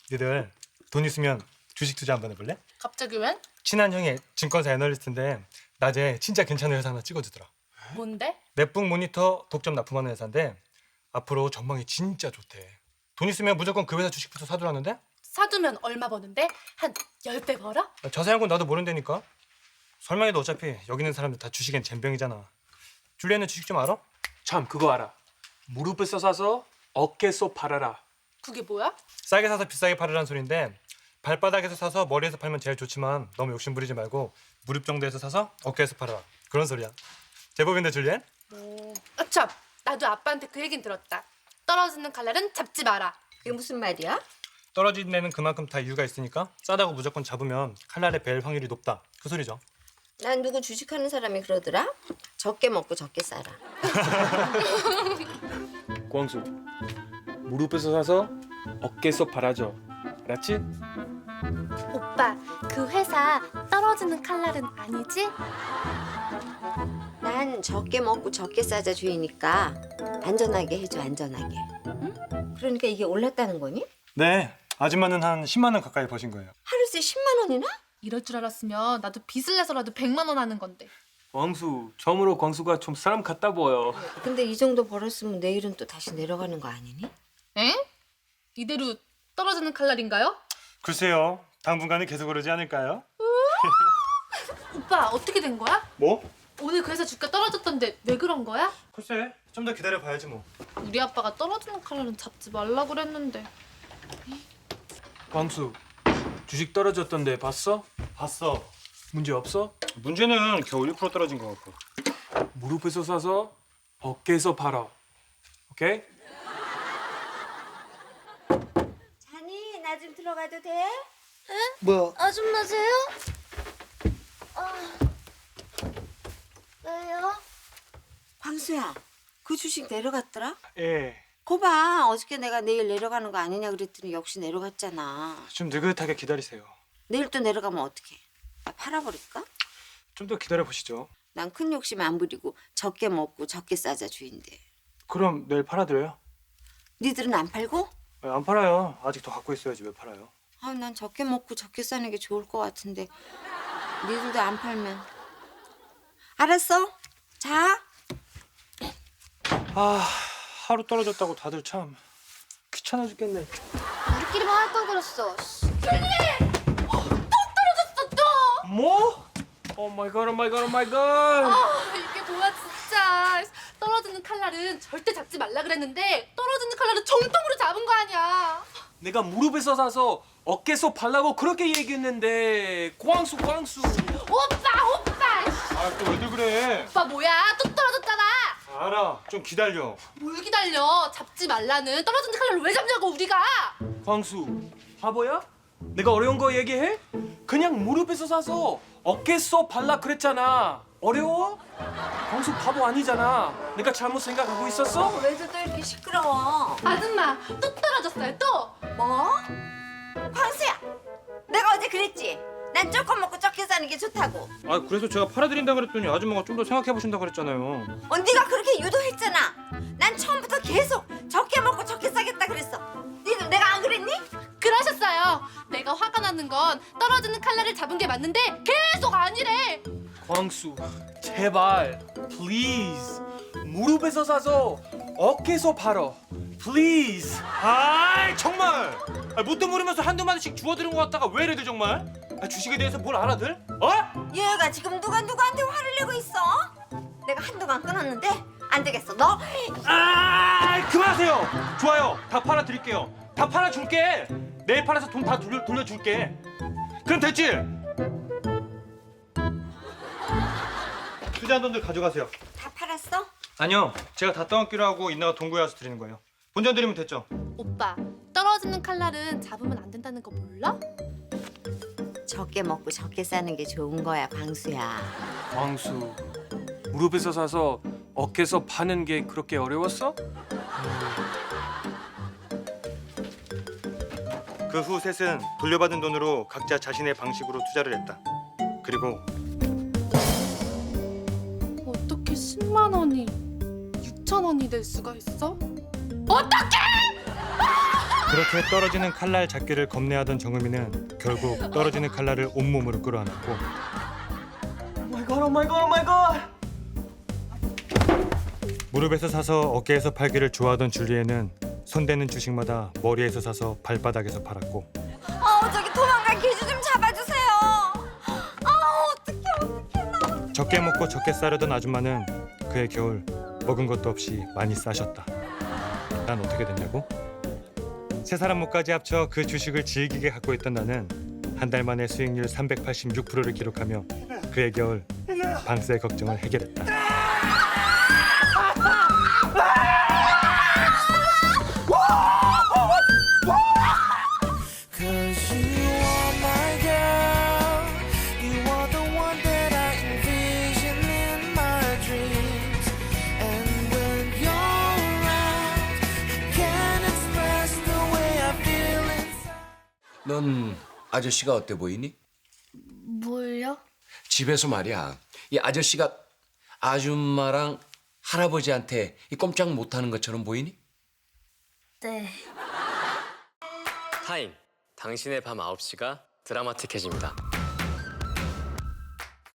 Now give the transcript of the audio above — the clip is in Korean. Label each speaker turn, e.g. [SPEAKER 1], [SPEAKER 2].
[SPEAKER 1] 니들 돈 있으면 주식 투자 한번 해볼래?
[SPEAKER 2] 갑자기 웬?
[SPEAKER 1] 친한 형이 증권사 애널리스트인데 낮에 진짜 괜찮은 회사 하나 찍어주더라.
[SPEAKER 2] 뭔데?
[SPEAKER 1] 넷북 모니터 독점 납품하는 회사인데 앞으로 전망이 진짜 좋대. 돈 있으면 무조건 그 회사 주식부터 사두라는데?
[SPEAKER 2] 사두면 얼마 버는데? 한 10배 벌어?
[SPEAKER 1] 자세한 건 나도 모른다니까. 설명해도 어차피 여기 있는 사람들 다 주식엔 젬병이잖아. 줄리아는 주식 좀 알아?
[SPEAKER 3] 참 그거 알아. 무릎에서 사서 어깨에서 팔아라.
[SPEAKER 2] 그게 뭐야?
[SPEAKER 1] 싸게 사서 비싸게 팔으란 소린데 발바닥에서 사서 머리에서 팔면 제일 좋지만 너무 욕심 부리지 말고 무릎 정도에서 사서 어깨에서 팔아라. 그런 소리야. 제법인데 줄리엔?
[SPEAKER 2] 아참, 나도 아빠한테 그 얘긴 들었다. 떨어지는 칼날은 잡지 마라.
[SPEAKER 4] 그게 무슨 말이야?
[SPEAKER 1] 떨어진 데는 그만큼 다 이유가 있으니까 싸다고 무조건 잡으면 칼날에 벨 확률이 높다. 그 소리죠.
[SPEAKER 4] 난 누구 주식하는 사람이 그러더라? 적게 먹고 적게 살아.
[SPEAKER 3] 광수, 무릎에서 사서 어깨에서 팔아줘. 알았지?
[SPEAKER 2] 오빠, 그 회사 떨어지는 칼날은 아니지?
[SPEAKER 4] 난 적게 먹고 적게 싸자 주의니까 안전하게 해줘, 안전하게. 응? 그러니까 이게 올랐다는 거니?
[SPEAKER 1] 네. 아줌마는 한 10만 원 가까이 버신 거예요.
[SPEAKER 4] 하루새 10만 원이나?
[SPEAKER 2] 이럴 줄 알았으면 나도 빚을 내서라도 100만 원 하는 건데.
[SPEAKER 3] 광수, 처음으로 광수가 좀 사람 같다 보여.
[SPEAKER 4] 근데 이 정도 벌었으면 내일은 또 다시 내려가는 거 아니니?
[SPEAKER 2] 에? 이대로 떨어지는 칼날인가요?
[SPEAKER 1] 글쎄요. 당분간은 계속 그러지 않을까요?
[SPEAKER 2] 오빠, 어떻게 된 거야?
[SPEAKER 1] 뭐?
[SPEAKER 2] 오늘 그 회사 주가 떨어졌던데 왜 그런 거야?
[SPEAKER 1] 글쎄. 좀 더 기다려봐야지 뭐.
[SPEAKER 2] 우리 아빠가 떨어지는 칼날은 잡지 말라 그랬는데.
[SPEAKER 3] 광수, 주식 떨어졌던데 봤어?
[SPEAKER 1] 봤어.
[SPEAKER 3] 문제 없어?
[SPEAKER 1] 문제는 겨우 1% 떨어진 것 같고.
[SPEAKER 3] 무릎에서 사서 어깨에서 팔아. 오케이?
[SPEAKER 4] 자니, 나 좀 들어가도 돼?
[SPEAKER 5] 뭐?
[SPEAKER 6] 아줌마세요? 왜요?
[SPEAKER 4] 광수야, 그 주식 내려갔더라?
[SPEAKER 1] 예.
[SPEAKER 4] 거봐, 어저께 내가 내일 내려가는 거 아니냐 그랬더니 역시 내려갔잖아.
[SPEAKER 1] 좀 느긋하게 기다리세요.
[SPEAKER 4] 내일 또 내려가면 어떡해? 나 팔아버릴까?
[SPEAKER 1] 좀 더 기다려 보시죠.
[SPEAKER 4] 난 큰 욕심 안 부리고 적게 먹고 적게 싸자 주인데.
[SPEAKER 1] 그럼 내일 팔아드려요?
[SPEAKER 4] 니들은 안 팔고?
[SPEAKER 1] 안 팔아요. 아직 더 갖고 있어야지 왜 팔아요?
[SPEAKER 4] 아, 난 적게 먹고 적게 싸는 게 좋을 것 같은데 니들도 안 팔면. 알았어. 자.
[SPEAKER 1] 아, 하루 떨어졌다고 다들 참 귀찮아 죽겠네.
[SPEAKER 6] 우리끼리만 할 걸 그랬어.
[SPEAKER 3] 뭐? 오 마이 갓, 오 마이 갓, 오 마이 갓.
[SPEAKER 2] 이게 뭐야 진짜. 떨어지는 칼날은 절대 잡지 말라 그랬는데 떨어지는 칼날은 정통으로 잡은 거 아니야.
[SPEAKER 3] 내가 무릎에서 사서 어깨에서 팔라고 그렇게 얘기했는데 광수.
[SPEAKER 2] 오빠.
[SPEAKER 1] 아, 또 왜들 그래?
[SPEAKER 2] 오빠 뭐야? 또 떨어졌잖아.
[SPEAKER 1] 알아. 좀 기다려.
[SPEAKER 2] 뭘 기다려. 잡지 말라는 떨어지는 칼날을 왜 잡냐고 우리가.
[SPEAKER 3] 광수, 바보야? 내가 어려운 거 얘기해? 그냥 무릎에서 사서 어깨에서 팔라 그랬잖아. 어려워? 광수 바보 아니잖아. 내가 잘못 생각하고 있었어?
[SPEAKER 4] 왜들 또 이렇게 시끄러워?
[SPEAKER 2] 아줌마 또 떨어졌어요 또.
[SPEAKER 4] 뭐? 광수야, 내가 어제 그랬지? 난 조금 먹고 적게 사는 게 좋다고.
[SPEAKER 1] 아, 그래서 제가 팔아드린다 그랬더니 아줌마가 좀 더 생각해 보신다 그랬잖아요.
[SPEAKER 4] 네가 그렇게 유도했잖아. 난 처음부터 계속 적게 먹고 적게 싸겠다 그랬어. 니들 내가 안 그랬니?
[SPEAKER 2] 그러셨어요. 내가 화가 나는 건 떨어지는 칼날을 잡은 게 맞는데 계속 아니래.
[SPEAKER 3] 광수, 제발, please. 무릎에서 사서 어깨에서 팔어. please.
[SPEAKER 1] 아, 정말. 뭣도 모르면서 한두 마디씩 주워들은 것 같다가 왜 이래들 정말? 주식에 대해서 뭘 알아들? 어?
[SPEAKER 4] 얘가 지금 누가 누구한테 화를 내고 있어? 내가 한동안 끊었는데 안 되겠어. 너
[SPEAKER 1] 아, 그만하세요. 좋아요. 다 팔아드릴게요. 다 팔아줄게. 내일 팔아서 돈 다 돌려줄게. 그럼 됐지? 투자한 돈들 가져가세요.
[SPEAKER 4] 다 팔았어?
[SPEAKER 1] 아니요. 제가 다 떠안기로 하고 인나가 돈 구해와서 드리는 거예요. 본전 드리면 됐죠?
[SPEAKER 2] 오빠 떨어지는 칼날은 잡으면 안 된다는 거 몰라?
[SPEAKER 4] 적게 먹고 적게 싸는 게 좋은 거야, 광수야.
[SPEAKER 3] 광수, 무릎에서 사서 어깨에서 파는 게 그렇게 어려웠어?
[SPEAKER 1] 그 후 셋은 돌려받은 돈으로 각자 자신의 방식으로 투자를 했다. 그리고
[SPEAKER 2] 어떻게 10만 원이 6천 원이 될 수가 있어? 어떻게?
[SPEAKER 1] 그렇게 떨어지는 칼날 잡기를 겁내하던 정음이는 결국 떨어지는 칼날을 온몸으로 끌어안았고
[SPEAKER 3] 오 마이 갓.
[SPEAKER 1] 무릎에서 사서 어깨에서 팔기를 좋아하던 줄리에는 손대는 주식마다 머리에서 사서 발바닥에서 팔았고
[SPEAKER 4] 저기 도망간 개주 좀 잡아주세요. 어떡해.
[SPEAKER 1] 적게 먹고 적게 싸려던 아줌마는 그해 겨울 먹은 것도 없이 많이 싸셨다. 난 어떻게 됐냐고? 세 사람 목까지 합쳐 그 주식을 질기게 갖고 있던 나는 한 달 만에 수익률 386%를 기록하며 그해 겨울 방세 걱정을 해결했다.
[SPEAKER 5] Cause you are my girl. You are the one that I envision in my dreams. And when you're around, I can't express the way I feel inside.
[SPEAKER 7] 넌 아저씨가 어때 보이니?
[SPEAKER 6] 뭘요?
[SPEAKER 7] 집에서 말이야. 이 아저씨가 아줌마랑 할아버지한테 이 꼼짝 못하는 것처럼 보이니?
[SPEAKER 6] 네.
[SPEAKER 8] 타임. 당신의 밤 9시가 드라마틱해집니다.